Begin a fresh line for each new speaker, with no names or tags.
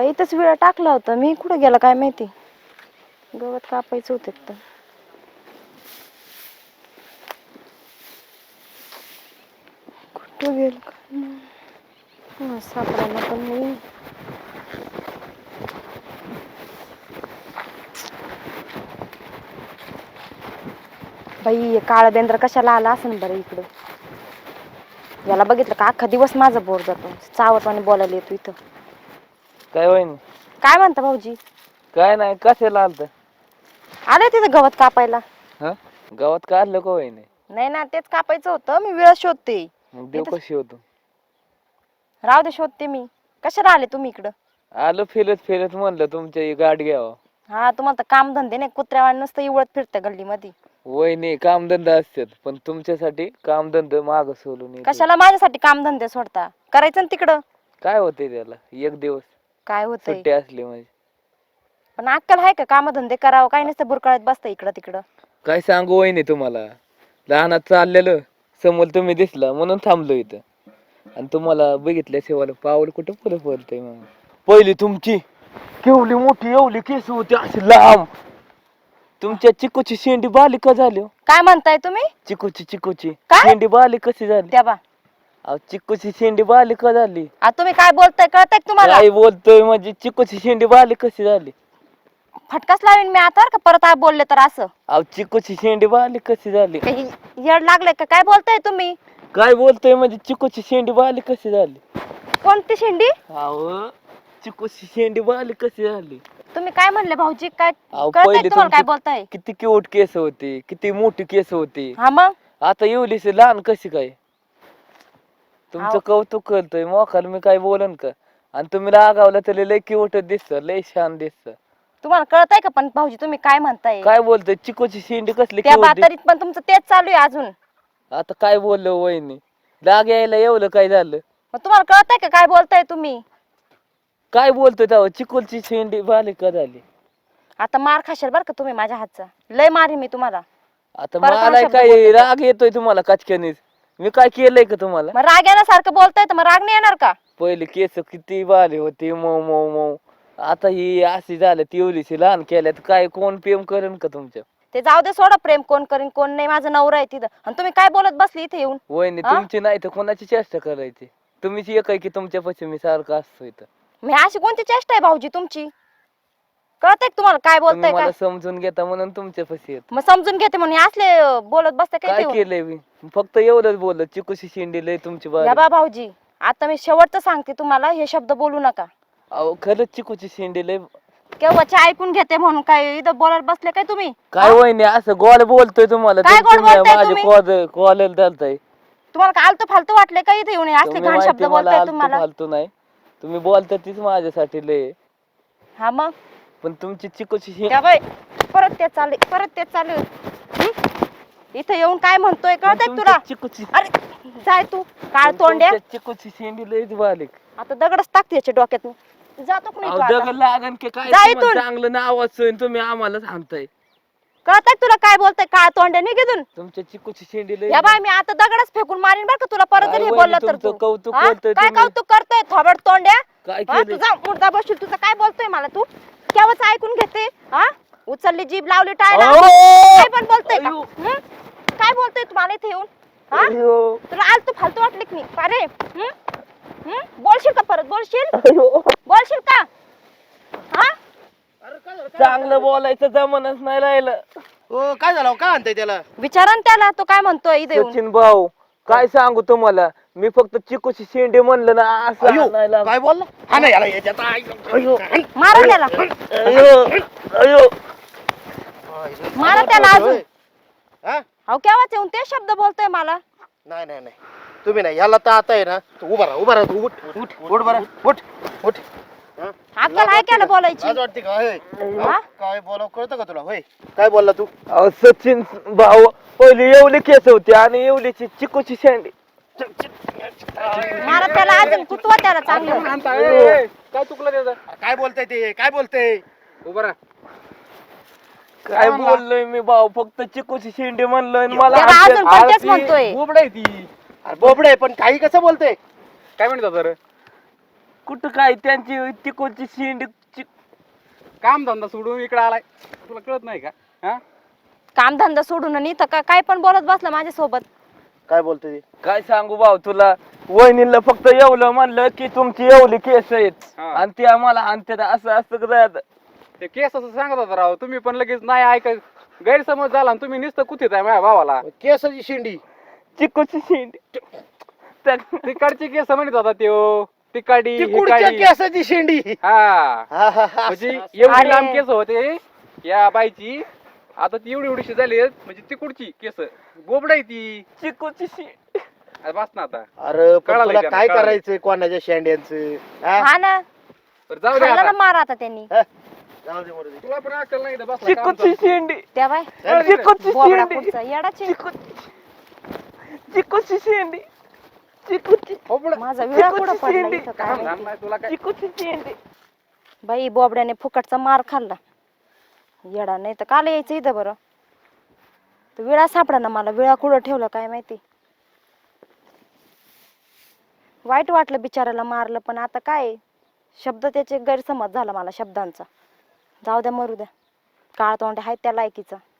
बाई इथंच विळा टाकला होता मी, कुठं गेला काय माहिती. गवत कापायचं होतं तर कुठं गेल काय सापडायला पण नाही. बाई काळा बेंद्र कशाला आला असं बरं इकडं. याला बघितलं का अख्खा दिवस माझा बोर जातो. चावटवाने बोलायला येतो इथं.
काय होईन?
काय म्हणता भाऊजी?
काय नाही, कशाला आलत?
आले तिथं गवत कापायला.
हा, गावात काढलं का होईन?
नाही ना, तेच कापायचं होतं. मी वेळ शोधते.
मग देव कशी होतो?
राहू दे, शोधते मी. कशाला आले तुम्ही इकडं?
आलो फिरत फिरत, म्हणलं तुमच्या ही गाठ घ्यावं.
हा, तुम्हाला तर काम धंदे नाही. कुत्र्यावाणी नुसतं इवळत फिरतं गल्लीमध्ये.
वहिनी कामधंदा असतात, पण तुमच्यासाठी कामधंदा माग सोडून येतो.
कशाला माझ्यासाठी काम धंदे सोडता? करायचं ना तिकडं.
काय होते त्याला? एक दिवस
काय होतंय?
सुट्टी असली म्हणजे.
पण अक्कल आहे का काम धंदे करावं? काय नसतं बुरकाळत बसतं इकडं तिकडं.
काय सांगू वहिनी तुम्हाला, लहानात चाललेलं समोर तुम्ही दिसला म्हणून थांबलो इथं. आणि तुम्हाला बघितल्याशिवाय पाऊल कुठं पुढे पडतंय. मग पहिली तुमची केवढी मोठी एवढी केस होती अशी लांब. तुमच्या चिकूची शेंडी बालिक झाली हो.
काय म्हणताय तुम्ही?
चिकूची
काय?
शेंडी बालिक कशी झाली?
त्या बा
अहो चिकूची शेंडी बालिक झाली.
तुम्ही काय बोलताय कळतंय का तुम्हाला?
काय बोलतोय म्हणजे चिकूची शेंडी बालिक कशी झाली?
फटकाच लावीन मी आता का परत बोलले तर असं.
अहो चिकूची शेंडी बालिक कशी झाली?
काही येड लागले का? काय बोलताय तुम्ही?
काय बोलतोय म्हणजे चिकूची शेंडी बालिक कशी झाली?
कोणती शेंडी?
अहो चिकूची शेंडी बालिक कशी झाली?
तुम्ही काय म्हणले भाऊजी? काय
अहो,
कळतंय
पहिले
तुम्हाला काय
तुमची
बोलताय?
किती क्यूट केस होते, किती मोठी केस होती.
हा मग
आता एवढीशी लहान कशी काय? तुमचं
अहो.
कौतुक करतोय मोखाल मी काय बोलन का? आणि तुम्ही रागावला तरी लय क्यूट दिसत, लय छान दिसत.
तुम्हाला कळतंय का पण भाऊजी तुम्ही काय म्हणताय?
काय बोलतोय? चिकूची शेंडी कसली
त्या
cute दिसते?
बातरीत पण तुमचं तेच चालू आहे अजून.
आता काय बोललो वहिनी? राग यायला एवढं काय झालं?
मग तुम्हाला कळतंय का काय बोलताय तुम्ही?
काय बोलतोय तेव्हा? चिकूची शेंडी बालिका झाली.
आता मार खाशाल बरं का तुम्ही माझ्या हातचा. लय मारी मी तुम्हाला.
आता
परत हा
मला
शब्द
काय
बोलते का?
राग येतोय तुम्हाला कचक्यानीच? मी काय केलंय का तुम्हाला?
मग राग येण्यासारखं बोलताय तर मग राग नाही येणार का?
पहिले केस किती बाले होते, मऊ मऊ मऊ. आता ही अशी झालं, तेवढीशी लहान केल्यात. काय कोण प्रेम करेन का तुमच्या?
ते जाऊ दे, सोडा. प्रेम कोण करीन कोण नाही, माझा नवरा आहे तिथं. आणि तुम्ही काय बोलत बसली इथे येऊन?
वहिनी
हा?
तुमची नाही तर कोणाची चेष्टा करायची? तुम्हीच एक आहे की तुमच्यापाशी मी सारखं असतो इथं.
मी अशी कोणती चेष्टा आहे भाऊजी तुमची? कळतंय का तुम्हाला काय
तुम्ही
बोलताय
मला
काय?
समजून घेता म्हणून तुमच्यापाशी येत.
मग समजून घेते म्हणून हे असले बोलत बसते काय
काय
ते?
केलंय मी? फक्त एवढंच बोललो, चिकूशी शेंडी लय तुमची
या
बारी.
बा भाऊजी, आता मी शेवटचं सांगते तुम्हाला, हे शब्द बोलू नका.
अहो खरंच चिकूची शेंडी लय.
केव्हाचे ऐकून घेते म्हणून काय इथं बोलत बसले काय तुम्ही?
काय वहिनी असं गोड बोलतोय तुम्हाला?
काय गोड बोलताय
माझे
तुम्ही?
कॉलेज चालताय.
तुम्हाला काय आलतू फालतू वाटले का इथे येऊन हे असले
तुम्ही
घाण शब्द
माहिती मला
बोलताय
आलतू
तुम्हाला?
फालतू नाही. तुम्ही बोलता तीच माझ्यासाठी लय.
हा मग
पण तुमची चिकूची शेंडी.
त्या बाई परत ते चालू इथे येऊन काय म्हणतोय कळतंय का तुला?
चिकूची
अरे जाय तू काळ तोंड्या.
चिकूची शेंडी लयच बारीक.
आता दगडच टाकते याच्या डोक्यात. जातो का नाही तू आता?
दगड लागन की काय?
जा
तुम्हाला
इथून.
चांगलं नाव असून तुम्ही आम्हाला सांगताय.
कळतंय का तुला काय बोलतोय? काळ तोंड्या निघून.
तुमच्या चिकूची शेंडी लय.
या बाय मी आता दगडच फेकून मारीन बरं का तुला परत जर
काय
हे
वहिनी
बोलला तर
तुमचं
तू.
कौतुक
हा?
करतोय
काय
तुम्ही.
कौतुक करतोय थोबड तोंड्या?
काय
हा,
केलंय?
तुझा मुर्दा बसशील. तुझं काय बोलतोय मला तू? केव्हाच ऐकून घेते. हा, उचलली जीभ लावली टाळला.
अहो!
काय पण बोलतोय का?
अयो!
हं? काय बोलतोय तुम्हाला इथे येऊन? हा,
अयो!
तुला आलतू फालतू वाटले की नाही? अरे बोलशील का परत? बोलशील
अयो!
बोलशील का? हा,
चांगलं बोलायचं जमानच नाही राहिलं.
हो काय झालं काय म्हणताय त्याला?
विचारा ना त्याला तो काय म्हणतोय इथे येऊन.
सचिन भाऊ काय सांगू तुम्हाला, मी फक्त चिकूची शेंडी म्हणलं ना असं
अयो
आणायला.
काय बोलला? हा नाही याला याच्यात
अयो!
मारा त्याला.
अयो! अयो!
मारा त्याला अजून.
हा?
अहो केव्हाच येऊन ते शब्द बोलतोय मला.
नाही नाही नाही तुम्ही नाही याला तर आता आहे ना तू उभा राहा तू उठ उठ उठ बरं उठ उठ हा?
अक्कल आहे त्याला बोलायची.
लाज वाटते का? होय.
हा?
काय बोलावं कळतं का तुला? होय काय बोलला तू?
अहो, सचिन भाऊ पहिली एवढी केस होती आणि एवढीची चिकूची शेंडी.
मारा त्याला अजून कुतवा त्याला चांगलं.
काय चुकलं त्याचं?
काय बोलताय ते? काय बोलताय?
उभा राहा. काय बोललोय मी भाऊ? फक्त चिकूची शेंडी म्हणलोय आणि मला
त्याला
हाणतात.
अजून पण तेच म्हणतोय.
बोबड आहे ती. अरे बोबड आहे पण काही कसं बोलतोय?
काय म्हणतो तर? कुठं काय त्यांची तिकोची शेंडी
काम धंदा सोडून इकडे आलाय, तुला कळत नाही का? हा
कामधंदा सोडून आणि इथं काय पण बोलत बसला माझ्यासोबत.
काय बोलते
काय सांगू भाऊ तुला, वहिनीला फक्त एवढं म्हणलं की तुमची एवढी केस आहेत
हा.
आणि ते आम्हाला आणतात असं असं कसं
ते केस असं सांगत होता राव, तुम्ही पण लगेच नाही ऐका, गैरसमज झाला आणि तुम्ही नुसतं कुठेच आहे माझ्या भावाला.
केसाची शेंडी
चिकूची शेंडी
तिकडची केस म्हणत होता त्यो, तिकाडी
ती कुडच्या
हिकाडी.
केसाची शेंडी
हा
हा, हा, हा.
म्हणजे
असं-
एवढी
अरे.
लांब केस होते या बाईची, आता ती एवढी एवढीशी झाली म्हणजे तिकडची केस बोबडा आहे ती.
चिकूची शेंडी
अरे बस ना आता.
अरे पण
कळालं
तुला
का?
काय
कळालं.
करायचंय कोणाच्या शेंड्यांचं हा?
हा ना,
बरं जाऊ दे
खाल्लं ना
आता.
मार आता त्यांनी.
हा? जाऊ दे, मरू दे.
तुला पण अक्कल नाही इथं बसला काम
चिकूची
करतो.
शेंडी
त्या बाय
चिकूची
बोबडा
शेंडी
पुढचा येडाची.
चिकूची शेंडी चिकूची
बोबडा.
माझा विळा कुठं पडला
शेंडी.
इथं काय
काम
माहिती.
झालं नाही तुला काय?
चिकूची शेंडी
बाई बोबड्याने फुकटचा मार खाल्ला. येडा नाही तर काल यायचं इथं बरं. तो विळा सापडा ना मला, विळा कुठं ठेवला काय माहिती. वाईट वाटलं बिचाराला मारलं, पण आता काय शब्द त्याचे गैरसमज झाला मला शब्दांचा. जाऊ द्या मरू द्या, काळ तोंड आहे त्या लायकीचा.